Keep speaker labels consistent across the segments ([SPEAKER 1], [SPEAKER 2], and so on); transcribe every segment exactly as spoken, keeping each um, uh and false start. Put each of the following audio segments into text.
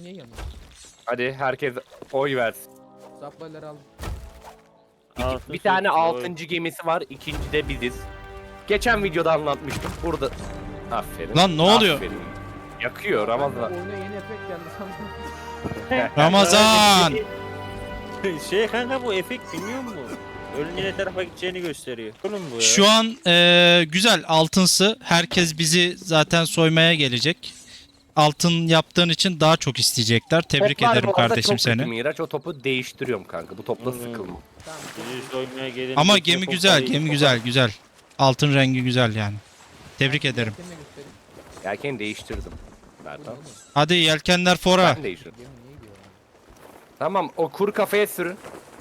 [SPEAKER 1] niye yanıyor?
[SPEAKER 2] Hadi herkes oy versin.
[SPEAKER 1] Supply'ları aldım.
[SPEAKER 2] Bir, bir tane altıncı gemisi var. İkinci de biziz. Geçen videoda anlatmıştım. Burada aferin.
[SPEAKER 3] Lan ne oluyor?
[SPEAKER 2] Aferin. Yakıyor Ramazan.
[SPEAKER 1] Oyuna yeni efekt geldi sandım.
[SPEAKER 3] Ramazan!
[SPEAKER 4] Şey kanka bu efekt bilmiyor musun? Ölünün ne tarafa gideceğini gösteriyor. Oğlum bu ya.
[SPEAKER 3] Şu an eee, güzel altınsı. Herkes bizi zaten soymaya gelecek. Altın yaptığın için daha çok isteyecekler. Tebrik
[SPEAKER 2] Toplar
[SPEAKER 3] ederim
[SPEAKER 2] bu arada
[SPEAKER 3] kardeşim
[SPEAKER 2] çok kötü
[SPEAKER 3] seni.
[SPEAKER 2] Miraç, o topu değiştiriyorum kanka. Bu topla
[SPEAKER 4] Hmm.
[SPEAKER 2] sıkılma.
[SPEAKER 1] Tamam.
[SPEAKER 4] Bizi soymaya gelin.
[SPEAKER 3] Ama
[SPEAKER 4] Yoksa
[SPEAKER 3] gemi
[SPEAKER 4] kopar
[SPEAKER 3] güzel,
[SPEAKER 4] iyi,
[SPEAKER 3] gemi
[SPEAKER 4] kopar.
[SPEAKER 3] güzel, güzel. Altın rengi güzel yani. Tebrik ederim.
[SPEAKER 1] Kendime göstereyim.
[SPEAKER 2] Yelkeni değiştirdim.
[SPEAKER 1] Bu ne
[SPEAKER 2] Nereden?
[SPEAKER 1] oğlum?
[SPEAKER 3] Hadi yelkenler fora.
[SPEAKER 2] Ben değiştirdim.
[SPEAKER 1] Gemi niye gidiyor?
[SPEAKER 2] Tamam, o kuru kafaya sürün.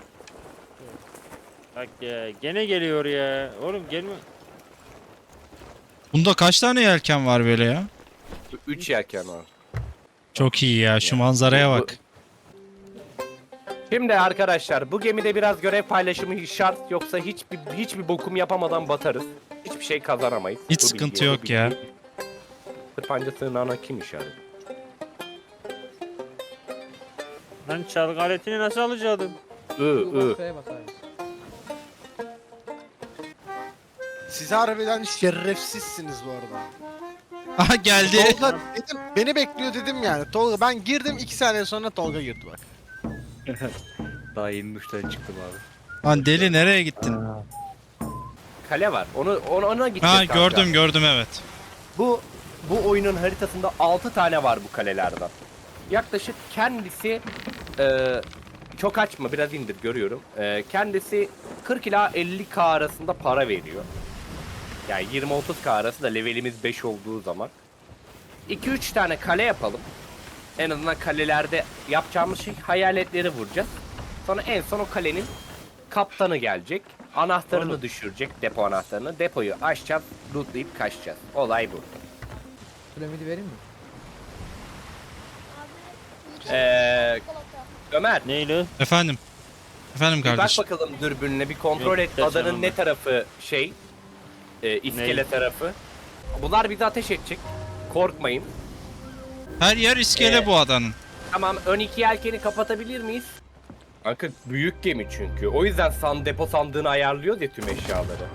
[SPEAKER 4] Bak ya gene geliyor ya. Oğlum gelme.
[SPEAKER 3] Bunda kaç tane yelken var böyle ya?
[SPEAKER 2] Üç yelken var.
[SPEAKER 3] Çok iyi ya, şu manzaraya
[SPEAKER 2] Bu-
[SPEAKER 3] bak.
[SPEAKER 2] Şimdi arkadaşlar, bu gemide biraz görev paylaşımı şart, yoksa hiçbir hiçbir bokum yapamadan batarız. Hiçbir şey kazanamayız.
[SPEAKER 3] Hiç
[SPEAKER 2] Bu
[SPEAKER 3] sıkıntı
[SPEAKER 2] bilgi, bu
[SPEAKER 3] yok
[SPEAKER 2] bilgi.
[SPEAKER 3] ya.
[SPEAKER 2] Tırpanca sığınağına kim işaret?
[SPEAKER 4] Lan çalgı aletini nasıl alacaktım?
[SPEAKER 2] I, I.
[SPEAKER 1] Kafaya bas abi.
[SPEAKER 5] Siz harbiden şerefsizsiniz bu arada.
[SPEAKER 3] Aha geldi.
[SPEAKER 5] Tolga dedim, beni bekliyor dedim yani. Tolga ben girdim iki saniye sonra Tolga girdi bak.
[SPEAKER 2] Daha yeni duştan çıktım abi.
[SPEAKER 3] Lan deli nereye gittin?
[SPEAKER 2] Kale var. Onu, onu ona gideceğiz
[SPEAKER 3] Ha
[SPEAKER 2] kanka.
[SPEAKER 3] gördüm gördüm evet.
[SPEAKER 2] Bu bu oyunun haritasında altı tane var bu kalelerden. Yaklaşık kendisi e, çok açma, biraz indir, görüyorum. E, kendisi kırk ila elli K arasında para veriyor. Yani yirmi otuz K arası da levelimiz beş olduğu zaman. iki üç tane kale yapalım. En azından kalelerde yapacağımız şey hayaletleri vuracağız. Sonra en son o kalenin kaptanı gelecek. Anahtarını
[SPEAKER 4] Oğlum.
[SPEAKER 2] düşürecek, depo anahtarını. Depoyu açacağız, lootlayıp kaçacağız. Olay bu.
[SPEAKER 1] Piramidi vereyim mi?
[SPEAKER 2] Eee Ömer,
[SPEAKER 4] Neyle?
[SPEAKER 3] Efendim. Efendim
[SPEAKER 2] bir bak
[SPEAKER 3] kardeşim.
[SPEAKER 2] bakalım dürbününe, bir kontrol
[SPEAKER 4] Yok,
[SPEAKER 2] et
[SPEAKER 4] geçen
[SPEAKER 2] adanın
[SPEAKER 4] onda.
[SPEAKER 2] ne tarafı şey, e, iskele
[SPEAKER 4] Ne?
[SPEAKER 2] tarafı. Bunlar bizi ateş edecek. Korkmayın.
[SPEAKER 3] Her yer iskele
[SPEAKER 2] Ee,
[SPEAKER 3] bu adanın.
[SPEAKER 2] Tamam, ön iki yelkeni kapatabilir miyiz? Kanka büyük gemi çünkü. O yüzden san depo sandığını ayarlıyoruz ya tüm eşyaları.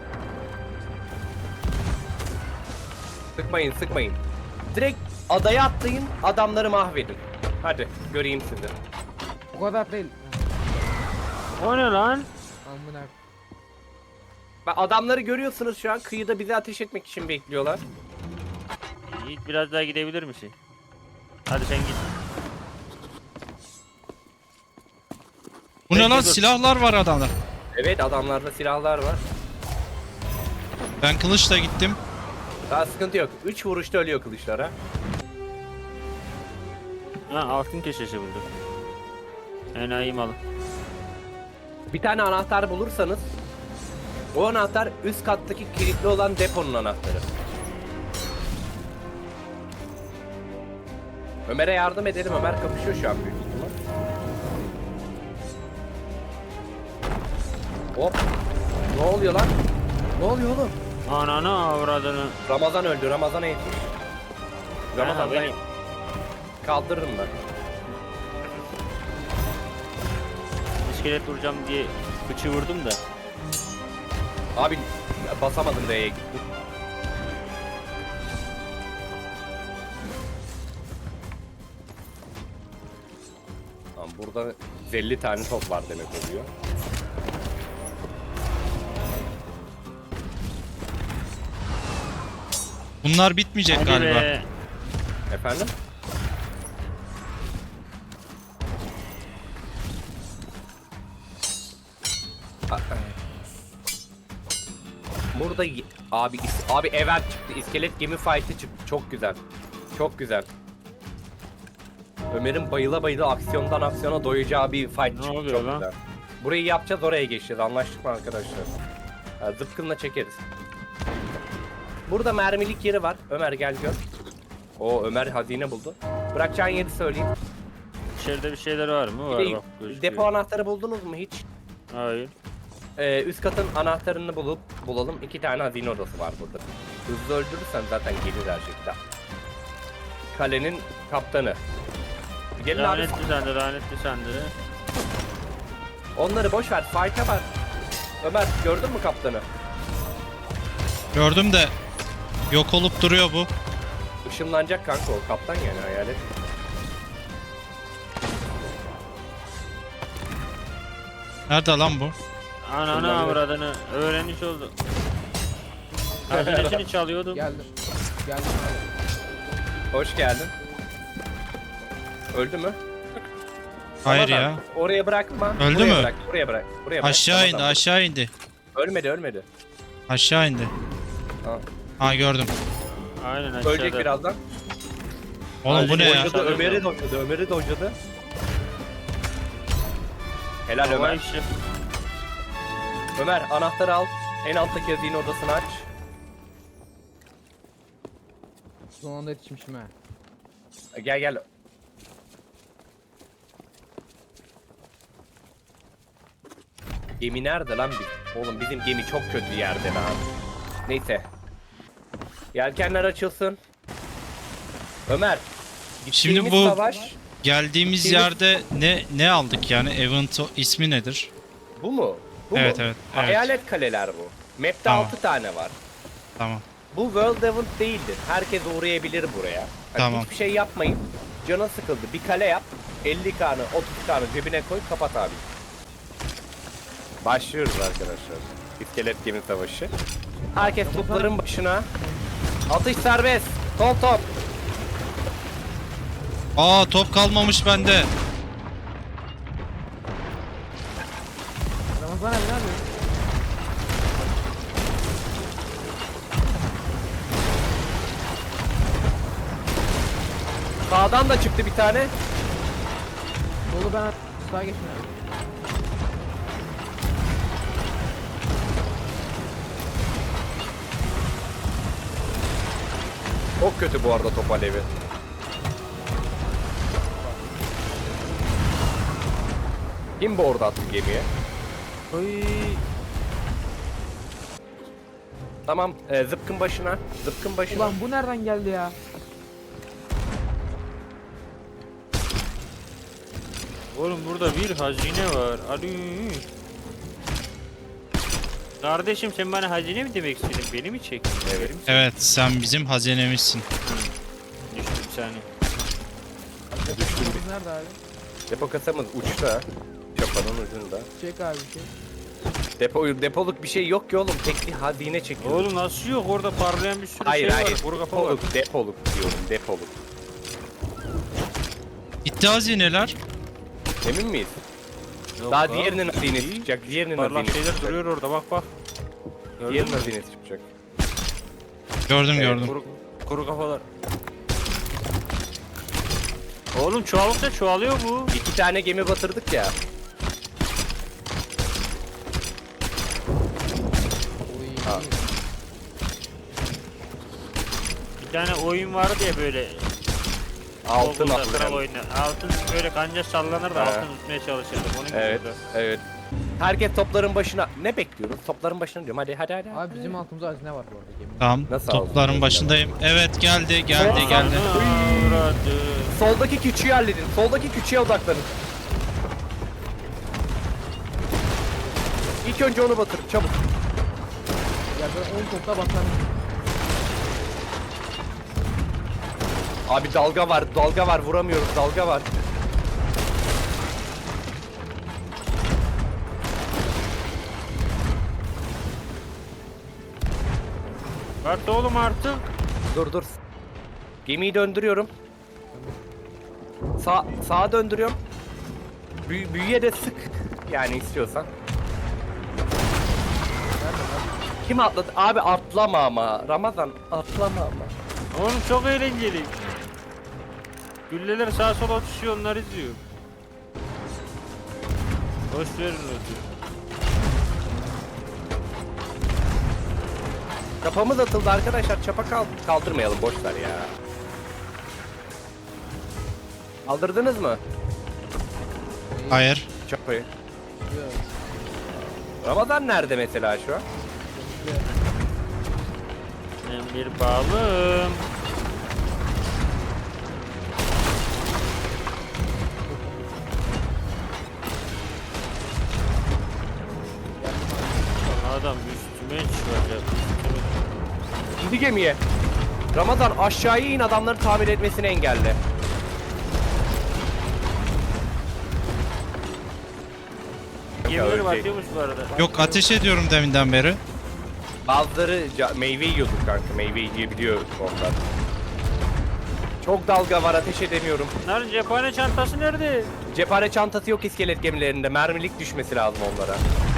[SPEAKER 2] Sıkmayın, sıkmayın. Direkt adaya atlayın, adamları mahvedin. Hadi göreyim sizi.
[SPEAKER 1] Bu kadar değil.
[SPEAKER 4] O ne lan?
[SPEAKER 1] Amına.
[SPEAKER 2] Bak, adamları görüyorsunuz şu an, kıyıda bizi ateş etmek için bekliyorlar.
[SPEAKER 4] Yiğit biraz daha gidebilir misin? Hadi sen git.
[SPEAKER 3] Bu ne
[SPEAKER 4] Bekle,
[SPEAKER 3] lan,
[SPEAKER 4] dur.
[SPEAKER 3] silahlar var adamda.
[SPEAKER 2] Evet, adamlarda silahlar var.
[SPEAKER 3] Ben kılıçla gittim.
[SPEAKER 2] Daha sıkıntı yok. üç vuruşta ölüyor kılıçlara.
[SPEAKER 4] Ha altın köşesi bulduk. Enayi malı.
[SPEAKER 2] Bir tane anahtar bulursanız, o anahtar üst kattaki kilitli olan deponun anahtarı. Ömer'e yardım edelim. Ömer kapışıyor şu an büyük ihtimal. Hop. Ne oluyor lan? Ne oluyor oğlum?
[SPEAKER 4] Ananı avradını.
[SPEAKER 2] Ramazan öldü. Ramazan'a yetiş. Ramazan
[SPEAKER 4] Ha,
[SPEAKER 2] ben
[SPEAKER 4] benim.
[SPEAKER 2] kaldırırım ben.
[SPEAKER 4] İskelet vuracağım diye bıçı vurdum da.
[SPEAKER 2] Abi basamadım D'ye gittim. Tamam, burada elli tane top var demek oluyor.
[SPEAKER 3] Bunlar bitmeyecek
[SPEAKER 4] Hadi
[SPEAKER 3] galiba.
[SPEAKER 4] be.
[SPEAKER 2] Efendim? A- Burada y- abi is- abi event çıktı. İskelet gemi fight'ı çıktı. Çok güzel. Çok güzel. Ömer'in bayıla bayıla aksiyondan aksiyona doyacağı bir fight
[SPEAKER 4] Ne
[SPEAKER 2] çıktı.
[SPEAKER 4] oluyor
[SPEAKER 2] Çok
[SPEAKER 4] lan?
[SPEAKER 2] güzel. Burayı yapacağız, oraya geçeceğiz. Anlaştık mı arkadaşlar? Ha, zıpkınla çekeriz. Burada mermilik yeri var. Ömer gel gör. O Ömer hazine buldu. Bırakacağın yeri söyleyeyim.
[SPEAKER 4] İçeride bir şeyler var mı? Var
[SPEAKER 2] Bir de
[SPEAKER 4] bak gözüküyor.
[SPEAKER 2] depo anahtarı buldunuz mu hiç?
[SPEAKER 4] Hayır.
[SPEAKER 2] Ee, üst katın anahtarını bulup bulalım. İki tane hazine odası var burada. Hızlı öldürürsen zaten gelir her şekilde. Kalenin kaptanı. Gelin abi.
[SPEAKER 4] Lanetli sandı, lanetli sandı.
[SPEAKER 2] Onları boş ver. Fight'a var. Ömer gördün mü kaptanı?
[SPEAKER 3] Gördüm de yok olup duruyor bu.
[SPEAKER 2] Işınlanacak kanka o kaptan yani hayalet.
[SPEAKER 3] Nerede lan bu?
[SPEAKER 4] Ananı
[SPEAKER 2] Şundan
[SPEAKER 4] avradını öğrenmiş oldu. Hazinesini çalıyordum.
[SPEAKER 1] Geldim. Geldim abi.
[SPEAKER 2] Hoş geldin. Öldü mü?
[SPEAKER 3] Hayır
[SPEAKER 2] Ramazan,
[SPEAKER 3] ya.
[SPEAKER 2] Oraya bırakma.
[SPEAKER 3] Öldü
[SPEAKER 2] buraya
[SPEAKER 3] mü?
[SPEAKER 2] Bırak, buraya bırak. Buraya bırak.
[SPEAKER 3] Aşağı indi,
[SPEAKER 2] Ramazan.
[SPEAKER 3] aşağı indi.
[SPEAKER 2] Ölmedi ölmedi.
[SPEAKER 3] Aşağı indi.
[SPEAKER 2] Ha.
[SPEAKER 3] Ha gördüm.
[SPEAKER 4] Aynen aşağıda.
[SPEAKER 2] Ölecek birazdan.
[SPEAKER 3] Oğlum bu ne ya?
[SPEAKER 2] Dojladı, Ömer'i dojladı. Ömer'i dojladı. Helal
[SPEAKER 4] Hava
[SPEAKER 2] Ömer.
[SPEAKER 4] işi.
[SPEAKER 2] Ömer anahtarı al. En alttaki hazine odasını aç.
[SPEAKER 1] Son anda yetişmişim ha.
[SPEAKER 2] Gel gel. Gemi nerede lan bir? Oğlum bizim gemi çok kötü yerde lan. Neyse. Yelkenler açılsın. Ömer.
[SPEAKER 3] Şimdi
[SPEAKER 2] gittiğimiz
[SPEAKER 3] bu-
[SPEAKER 2] savaş
[SPEAKER 3] Geldiğimiz
[SPEAKER 2] Şimdi-
[SPEAKER 3] yerde ne ne aldık yani? Event o- ismi nedir?
[SPEAKER 2] bu mu? Bu
[SPEAKER 3] Evet,
[SPEAKER 2] mu?
[SPEAKER 3] evet, evet.
[SPEAKER 2] Hayalet kaleler bu. Map'te
[SPEAKER 3] Tamam.
[SPEAKER 2] altı tane var.
[SPEAKER 3] Tamam.
[SPEAKER 2] Bu World Event değildir. Herkes uğrayabilir buraya. Hani
[SPEAKER 3] Tamam.
[SPEAKER 2] Hiçbir şey yapmayın. Canın sıkıldı. Bir kale yap. elli kanı, otuz kanı cebine koy. Kapat abi. Başlıyoruz arkadaşlar. İskelet gemi savaşı. Herkes topların başına. Atış serbest. Top top.
[SPEAKER 3] Aa top kalmamış bende.
[SPEAKER 1] Ramazan abi ne yapıyorsun?
[SPEAKER 2] Sağdan da çıktı bir tane.
[SPEAKER 1] Dolu ben sağa geçin abi.
[SPEAKER 2] Çok kötü bu arada top alevi. Kim bu orada attı gemiye?
[SPEAKER 4] Oy.
[SPEAKER 2] Tamam, e, zıpkın başına. Zıpkın başına.
[SPEAKER 1] Ulan bu nereden geldi ya?
[SPEAKER 4] Oğlum burada bir hazine var. Ali. Kardeşim sen bana hazine mi demek istedin? Beni mi çektin?
[SPEAKER 2] Evet.
[SPEAKER 4] Verir misin?
[SPEAKER 3] Evet sen bizim hazinemizsin.
[SPEAKER 4] Düştüm bir saniye.
[SPEAKER 1] Depomuz nerede abi?
[SPEAKER 2] Depo kasamız uçta. Çapanın ucunda.
[SPEAKER 1] Çek abi bir şey.
[SPEAKER 2] Depo, depoluk bir şey yok ki oğlum. Tek bir hazine çekiyor.
[SPEAKER 4] Oğlum nasıl yok? Orada parlayan bir sürü
[SPEAKER 2] hayır
[SPEAKER 4] şey
[SPEAKER 2] hayır.
[SPEAKER 4] var. Kuru kafa var.
[SPEAKER 2] Depoluk, depoluk diyorum. Depoluk.
[SPEAKER 3] Gitti hazineler.
[SPEAKER 2] Emin miyiz?
[SPEAKER 4] Yok
[SPEAKER 2] Daha
[SPEAKER 4] abi.
[SPEAKER 2] diğerinin hazinesi çıkacak. Diğerinin
[SPEAKER 4] Parlak
[SPEAKER 2] hazinesi
[SPEAKER 4] şeyler
[SPEAKER 2] çıkacak.
[SPEAKER 4] duruyor orada bak bak. Gördün
[SPEAKER 2] Diğerinin
[SPEAKER 4] mü?
[SPEAKER 2] hazinesi çıkacak.
[SPEAKER 3] Gördüm
[SPEAKER 2] Evet,
[SPEAKER 3] gördüm.
[SPEAKER 4] Kuru, kuru kafalar. Oğlum çoğaldıkça çoğalıyor bu.
[SPEAKER 2] İki tane gemi batırdık ya.
[SPEAKER 1] Oy.
[SPEAKER 2] Ha.
[SPEAKER 4] Bir tane oyun vardı ya böyle.
[SPEAKER 2] Altın
[SPEAKER 4] Google'da kral
[SPEAKER 2] altın.
[SPEAKER 4] oyunu. Altın böyle kanca sallanır da
[SPEAKER 2] He.
[SPEAKER 4] altın tutmaya çalışırdım. Onun gibi
[SPEAKER 2] Evet,
[SPEAKER 4] oldu.
[SPEAKER 2] evet. Herkes topların başına. Ne bekliyoruz? Topların başına diyorum. Hadi hadi hadi.
[SPEAKER 1] Abi bizim altımızda hazine var bu arada geminin.
[SPEAKER 3] Tamam.
[SPEAKER 2] Nasıl
[SPEAKER 3] Topların
[SPEAKER 2] aldın?
[SPEAKER 3] başındayım. Evet geldi geldi
[SPEAKER 2] Sol-
[SPEAKER 3] geldi.
[SPEAKER 4] Avradı.
[SPEAKER 2] Soldaki küçüğü halledin. Soldaki küçüğe odaklanın. İlk önce onu batırın çabuk.
[SPEAKER 1] Ya ben on topla batarım.
[SPEAKER 2] Abi dalga var, dalga var. Vuramıyoruz, dalga var.
[SPEAKER 4] Bak oğlum artık.
[SPEAKER 2] Dur dur. Gemiyi döndürüyorum. Sağ sağa döndürüyorum. Büy büyüye de sık. Yani istiyorsan. Kim atladı? Abi atlama ama. Ramazan atlama ama.
[SPEAKER 4] Oğlum çok eğlenceli. Gülleler sağa sola atışıyor onlar izliyor. Boş verin ödü.
[SPEAKER 2] Çapamız atıldı arkadaşlar. Çapa kal kaldırmayalım. Boş ver ya. Kaldırdınız mı
[SPEAKER 3] Hayır.
[SPEAKER 2] çapayı?
[SPEAKER 1] Evet.
[SPEAKER 2] Ramazan nerede mesela şu an?
[SPEAKER 4] Ben bir balım. Adam üstüme çıkacak.
[SPEAKER 2] İndi gemiye. Ramazan aşağıya in, adamları tamir etmesini engelle.
[SPEAKER 4] Gemileri
[SPEAKER 2] ölecek.
[SPEAKER 4] batıyormuş bu arada.
[SPEAKER 3] Yok, ateş ediyorum deminden beri.
[SPEAKER 2] Bazıları ca- meyve yiyordur kanka. Meyve yiyebiliyor onlar. Çok dalga var, ateş edemiyorum.
[SPEAKER 4] Bunların cephane çantası nerede?
[SPEAKER 2] Cephane çantası yok iskelet gemilerinde. Mermilik düşmesi lazım onlara.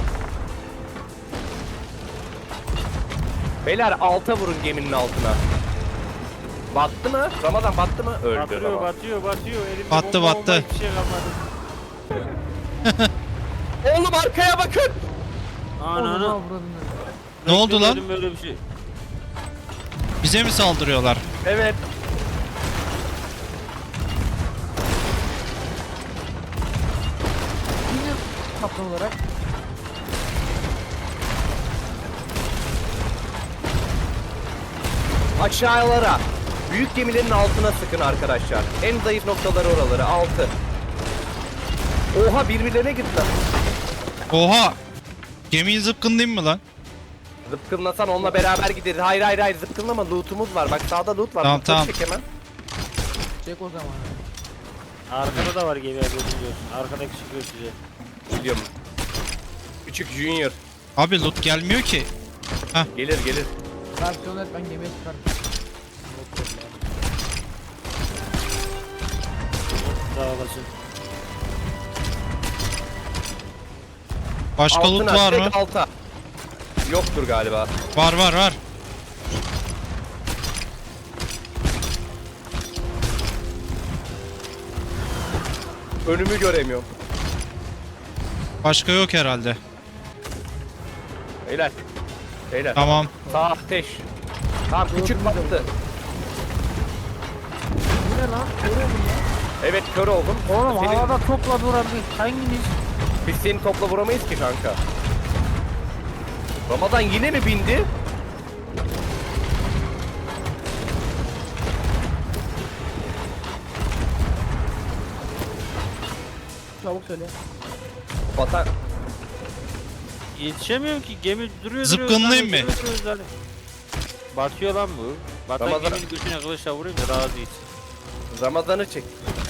[SPEAKER 2] Beyler alta vurun geminin altına. Battı mı? Ramazan battı mı? Öldü
[SPEAKER 4] Batıyor,
[SPEAKER 2] Ramazan.
[SPEAKER 4] batıyor, batıyor. Elimde
[SPEAKER 3] Battı,
[SPEAKER 4] bomba,
[SPEAKER 3] battı.
[SPEAKER 4] bomba, hiçbir şey kalmadı.
[SPEAKER 2] Oğlum arkaya bakın.
[SPEAKER 1] Onu
[SPEAKER 4] Ananı.
[SPEAKER 1] avradını.
[SPEAKER 3] Ne oldu lan?
[SPEAKER 4] Görmedim böyle bir şey.
[SPEAKER 3] Bize mi saldırıyorlar?
[SPEAKER 2] Evet.
[SPEAKER 1] Yine kaptan olarak.
[SPEAKER 2] Aşağılara. Büyük gemilerin altına sıkın arkadaşlar. En zayıf noktaları oraları. Altı. Oha birbirlerine gittiler.
[SPEAKER 3] Oha! Gemiyi zıpkınlayayım mı lan?
[SPEAKER 2] Zıpkınlasan onunla beraber gideriz. Hayır hayır hayır zıpkınlama, lootumuz var. Bak sağda loot var.
[SPEAKER 3] Tamam,
[SPEAKER 2] Lootları
[SPEAKER 3] tamam.
[SPEAKER 2] çek hemen.
[SPEAKER 1] Çek o zaman.
[SPEAKER 4] Arkada da var gemi biliyorsun. Arkadaki çıkıyor size.
[SPEAKER 2] Biliyorum. Küçük Junior.
[SPEAKER 3] Abi loot gelmiyor ki.
[SPEAKER 2] Gelir gelir.
[SPEAKER 1] Versiyon et, ben gemiye çıkarım.
[SPEAKER 4] Sağ olasın.
[SPEAKER 3] Başka loot
[SPEAKER 2] Altına,
[SPEAKER 3] var mı?
[SPEAKER 2] direkt alta. Yoktur galiba.
[SPEAKER 3] Var var var.
[SPEAKER 2] Önümü göremiyorum.
[SPEAKER 3] Başka yok herhalde.
[SPEAKER 2] Beyler. Beyler.
[SPEAKER 3] Tamam.
[SPEAKER 2] Sağ ateş. Tamam küçük battı.
[SPEAKER 1] Bu ne lan? Görüyor musun ya?
[SPEAKER 2] Evet kör oldum.
[SPEAKER 4] Oğlum
[SPEAKER 2] Senin-
[SPEAKER 4] havada topla duran bir hanginiz?
[SPEAKER 2] Biz seni topla vuramayız ki kanka. Ramazan yine mi bindi?
[SPEAKER 1] Çabuk söyle.
[SPEAKER 2] Batan.
[SPEAKER 4] Yetişemiyorum ki gemi duruyor
[SPEAKER 3] Zıpkınlayayım
[SPEAKER 4] duruyor,
[SPEAKER 3] mı?
[SPEAKER 4] duruyor, duruyor zaten. Batıyor lan bu. Batan
[SPEAKER 2] Ramazan-
[SPEAKER 4] geminin götüne kılıçla vurayım da razı gitsin.
[SPEAKER 2] Ramazan'ı çek.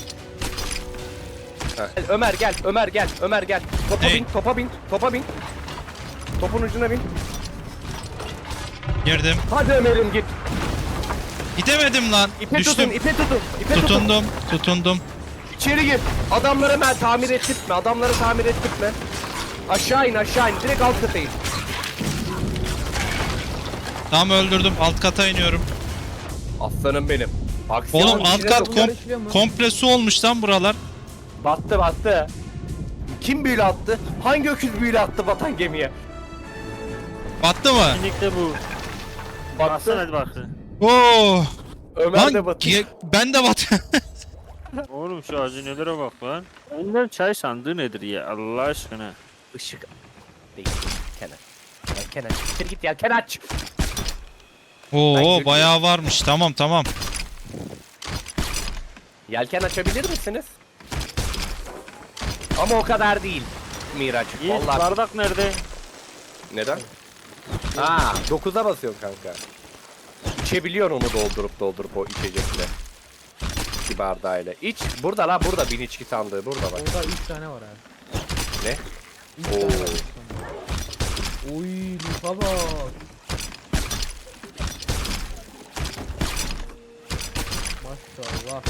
[SPEAKER 2] Ha. Gel, Ömer gel, Ömer gel, Ömer gel. Topa
[SPEAKER 3] Hey.
[SPEAKER 2] bin, topa bin, topa bin. Topun ucuna bin.
[SPEAKER 3] Girdim.
[SPEAKER 2] Hadi Ömer'im git.
[SPEAKER 3] Gidemedim lan.
[SPEAKER 2] İpe
[SPEAKER 3] Düştüm.
[SPEAKER 2] tutun, ipe tutun, ipe tutun.
[SPEAKER 3] Tutundum. Tutundum.
[SPEAKER 2] İçeri gir. Adamları hemen tamir ettirtme, adamları tamir ettirtme. Aşağı in, aşağı in. Direkt alt kata in.
[SPEAKER 3] Tamam, öldürdüm. Alt kata iniyorum.
[SPEAKER 2] Aslanım benim. Aksiyon
[SPEAKER 3] Oğlum alt
[SPEAKER 2] içine
[SPEAKER 3] kat
[SPEAKER 2] dokun.
[SPEAKER 3] kom
[SPEAKER 1] işliyor mu?
[SPEAKER 3] komple su olmuş lan buralar.
[SPEAKER 2] Battı, battı. Kim büyülü attı? Hangi öküz büyülü attı batan gemiye?
[SPEAKER 3] Battı mı?
[SPEAKER 4] Kesinlikle bu.
[SPEAKER 2] Battı.
[SPEAKER 4] Baksana hadi baksın.
[SPEAKER 3] Oo!
[SPEAKER 2] Ömer
[SPEAKER 3] Lan
[SPEAKER 2] de battı.
[SPEAKER 3] ge- ben de bat.
[SPEAKER 4] Oğlum şu hazinelere bak lan. Ondan çay sandığı nedir ya Allah aşkına.
[SPEAKER 2] Işık değil. Kenar. Ya Kenar. İçeri git ya Kenar aç.
[SPEAKER 3] Oo,
[SPEAKER 2] Ben
[SPEAKER 3] bayağı varmış. Tamam tamam.
[SPEAKER 2] Yelken açabilir misiniz? Ama o kadar değil. Miraç.
[SPEAKER 4] Yiğit
[SPEAKER 2] Vallahi.
[SPEAKER 4] bardak nerede?
[SPEAKER 2] Neden? Aa, dokuza basıyorsun kanka. İçebiliyorsun onu doldurup doldurup o içecekle. İki bardağıyla. İç. Burada la burada bin içki sandığı burada bak.
[SPEAKER 1] Orada üç tane var abi.
[SPEAKER 2] Ne?
[SPEAKER 1] üç
[SPEAKER 2] Oo.
[SPEAKER 1] tane var. üç tane. Oy lufa bak. Maşallah.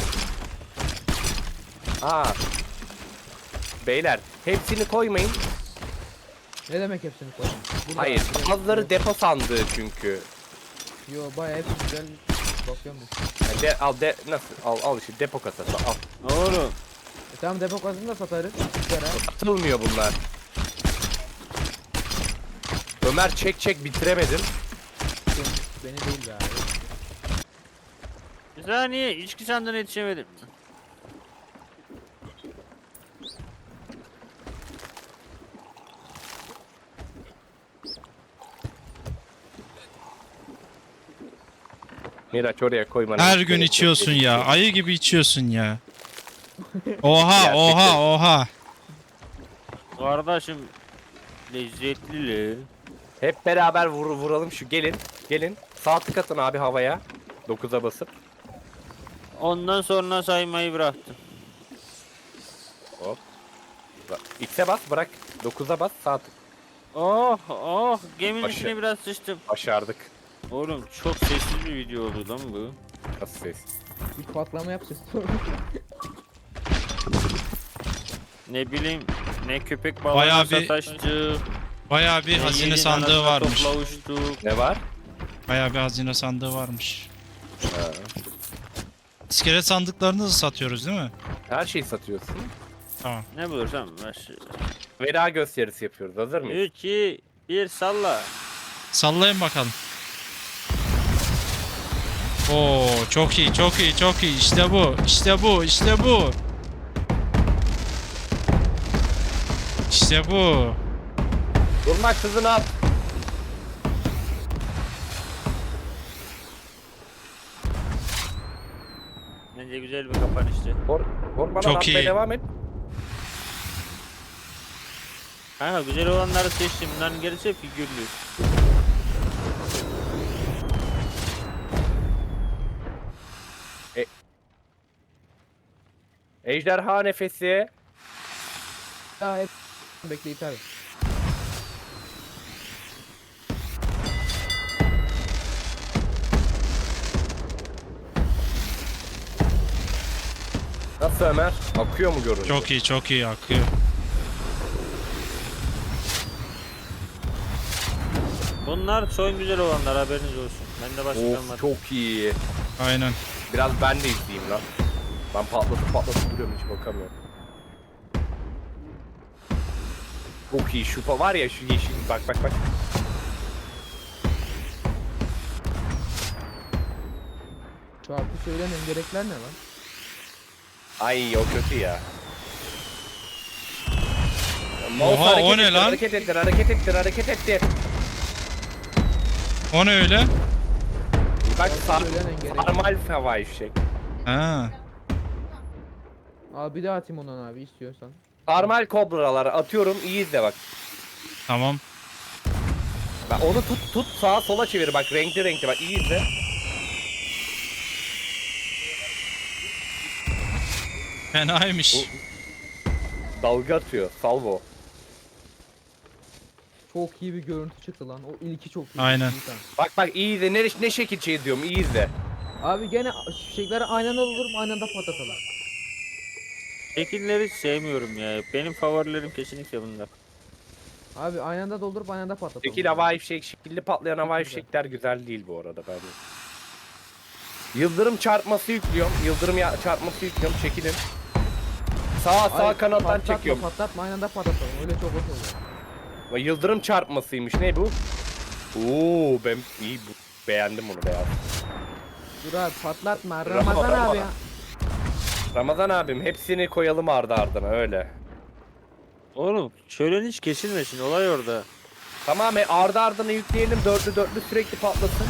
[SPEAKER 2] Aa. Beyler hepsini koymayın.
[SPEAKER 1] Ne demek hepsini koydun? Burada-
[SPEAKER 2] Hayır.
[SPEAKER 1] burada-
[SPEAKER 2] Bazıları depo sandığı çünkü.
[SPEAKER 1] Yo bayağı hepsi güzel. Bakıyorum ben.
[SPEAKER 2] Yani de, al de nasıl al al işte depo kasası al.
[SPEAKER 4] Oğlum.
[SPEAKER 1] E tamam depo kasını da satarız. Güzel ha.
[SPEAKER 2] Satılmıyor bunlar. Ömer çek çek bitiremedim.
[SPEAKER 1] Beni, beni değil be abi.
[SPEAKER 4] Bir saniye içki sandığına yetişemedim.
[SPEAKER 2] Miraç oraya koymanı.
[SPEAKER 3] Her gün içiyorsun ya. Ayı gibi içiyorsun ya. Oha oha oha.
[SPEAKER 4] Kardeşim lezzetli le.
[SPEAKER 2] Hep beraber vur, vuralım şu gelin. Gelin. Sağ tık atın abi havaya. dokuza basıp.
[SPEAKER 4] Ondan sonra saymayı bıraktım.
[SPEAKER 2] Hop. Bak, X'e bas bırak. dokuza bas sağ tık.
[SPEAKER 4] Oh oh geminin
[SPEAKER 2] Başı.
[SPEAKER 4] içine biraz sıçtım.
[SPEAKER 2] Başardık.
[SPEAKER 4] Oğlum çok sessiz bir video oldu lan bu.
[SPEAKER 2] Nasıl ses?
[SPEAKER 1] Bir patlama yapacağız.
[SPEAKER 4] Ne bileyim ne köpek balığına
[SPEAKER 3] Bayağı bir-
[SPEAKER 4] sataştık.
[SPEAKER 3] Bayağı bir
[SPEAKER 4] ne
[SPEAKER 3] hazine
[SPEAKER 4] yiğidin
[SPEAKER 3] sandığı
[SPEAKER 4] anasına
[SPEAKER 3] varmış.
[SPEAKER 4] topla uçtuk.
[SPEAKER 2] Ne var?
[SPEAKER 3] Bayağı bir hazine sandığı varmış.
[SPEAKER 2] Ha.
[SPEAKER 3] İskelet sandıklarını da satıyoruz değil mi?
[SPEAKER 2] Her şeyi satıyorsun.
[SPEAKER 3] Tamam.
[SPEAKER 4] Ne bulursam ver.
[SPEAKER 2] Veda gösterisi yapıyoruz. Hazır mıyız?
[SPEAKER 4] üç, iki, bir salla.
[SPEAKER 3] Sallayın bakalım. Oo çok iyi, çok iyi, çok iyi. İşte bu, işte bu, işte bu. İşte bu.
[SPEAKER 2] Durmak hızını at.
[SPEAKER 4] Bence güzel bir kapanıştı.
[SPEAKER 2] Kor, korkmadan
[SPEAKER 3] Çok
[SPEAKER 2] atmaya
[SPEAKER 3] iyi.
[SPEAKER 2] devam et.
[SPEAKER 4] Kanka güzel olanları seçtim. Bunların gerisi figürlü.
[SPEAKER 2] Ejderha nefesi.
[SPEAKER 1] Daha hep bekleyip abi.
[SPEAKER 2] Nasıl Ömer? Akıyor mu görüntü?
[SPEAKER 3] Çok iyi, çok iyi akıyor.
[SPEAKER 4] Bunlar son güzel olanlar haberiniz olsun. Ben de başka
[SPEAKER 2] Of
[SPEAKER 4] kalmadı.
[SPEAKER 2] çok iyi.
[SPEAKER 3] Aynen.
[SPEAKER 2] Biraz ben de izleyeyim lan. Ben patlatıp patlatıp duruyorum hiç bakamıyorum. Çok iyi şu pa- var ya şu yeşil bak bak bak.
[SPEAKER 1] Şarkı söylemeyin gerekler ne lan?
[SPEAKER 2] Ay o kötü ya.
[SPEAKER 3] Oha,
[SPEAKER 2] Mouse
[SPEAKER 3] o
[SPEAKER 2] hareket
[SPEAKER 3] ne
[SPEAKER 2] ettir,
[SPEAKER 3] lan?
[SPEAKER 2] Hareket ettir, hareket ettir, hareket ettir.
[SPEAKER 3] O ne öyle?
[SPEAKER 2] Bak sar
[SPEAKER 1] Söylemeyin gerek.
[SPEAKER 2] sarmal havai fişek.
[SPEAKER 3] Ha.
[SPEAKER 1] Al bir daha atayım ondan abi istiyorsan.
[SPEAKER 2] Sarmal kobraları atıyorum iyi izle bak.
[SPEAKER 3] Tamam.
[SPEAKER 2] Bak onu tut tut sağa sola çevir bak renkli renkli bak iyi izle.
[SPEAKER 3] Fenaymış.
[SPEAKER 2] Bu- Dalga atıyor salvo.
[SPEAKER 1] Çok iyi bir görüntü çıktı lan. O ilki çok iyi.
[SPEAKER 3] Aynen.
[SPEAKER 1] İyi tamam.
[SPEAKER 2] Bak bak iyi izle ne, ne şekil şey diyorum iyi izle.
[SPEAKER 1] Abi gene fişekleri aynı anda doldurup aynı anda patlatalım.
[SPEAKER 4] Şekilleri hiç sevmiyorum ya. Benim favorilerim kesinlikle bunlar.
[SPEAKER 1] Abi aynı anda doldurup aynı anda patlatalım.
[SPEAKER 2] Şekil havai fişek şekilli patlayan havai
[SPEAKER 1] güzel.
[SPEAKER 2] fişekler güzel değil bu arada bence. Yıldırım çarpması yüklüyorum. Yıldırım ya çarpması yüklüyorum. Çekilin. Sağ sağ
[SPEAKER 1] Ay,
[SPEAKER 2] kanattan
[SPEAKER 1] patlatma,
[SPEAKER 2] çekiyorum.
[SPEAKER 1] Patlatma aynı anda patlatalım. Öyle çok hoş oluyor.
[SPEAKER 2] Bak, Yıldırım çarpmasıymış. Ne bu? Oo ben iyi bu. Beğendim bunu beyaz.
[SPEAKER 1] Dur abi patlatma.
[SPEAKER 2] Ramazan
[SPEAKER 1] Ramazan abi ya.
[SPEAKER 2] Ramazan abim hepsini koyalım ardı ardına öyle.
[SPEAKER 4] Oğlum şöyle hiç kesilmesin olay orada.
[SPEAKER 2] Tamam e, ardı ardına yükleyelim dörtlü dörtlü sürekli patlasın.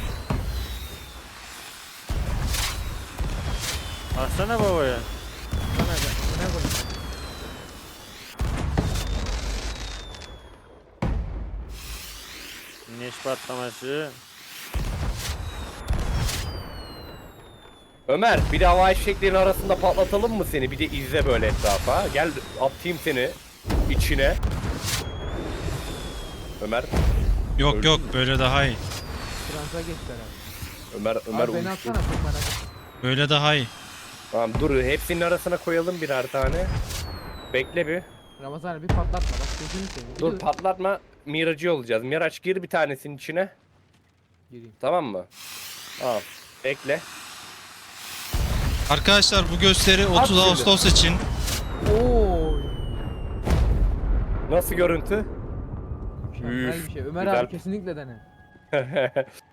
[SPEAKER 4] Baksana babaya.
[SPEAKER 1] Bana gel. Ne koyayım?
[SPEAKER 4] Güneş patlaması.
[SPEAKER 2] Ömer bir de havai fişeklerin arasında patlatalım mı seni? Bir de izle böyle etrafa. Gel atayım seni içine. Ömer,
[SPEAKER 3] Yok
[SPEAKER 2] Öldü
[SPEAKER 3] yok
[SPEAKER 2] mü?
[SPEAKER 3] böyle daha iyi.
[SPEAKER 1] Transa geçtiler abi.
[SPEAKER 2] Ömer, Ömer
[SPEAKER 1] Abi beni
[SPEAKER 2] uyuştu.
[SPEAKER 1] atsana çok merak ettim.
[SPEAKER 3] Böyle daha iyi.
[SPEAKER 2] Tamam dur hepsinin arasına koyalım birer tane. Bekle bir.
[SPEAKER 1] Ramazan abi bir patlatma bak gözünü seveyim. Bir
[SPEAKER 2] Dur patlatma. Miracı olacağız. Miraç gir bir tanesinin içine.
[SPEAKER 1] Gireyim.
[SPEAKER 2] Tamam mı? Tamam. Bekle.
[SPEAKER 3] Arkadaşlar bu gösteri otuz
[SPEAKER 2] şimdi.
[SPEAKER 3] Ağustos için.
[SPEAKER 1] Oy.
[SPEAKER 2] Nasıl görüntü?
[SPEAKER 1] Mükemmel bir şey. Ömer
[SPEAKER 2] Güzel.
[SPEAKER 1] abi kesinlikle dene.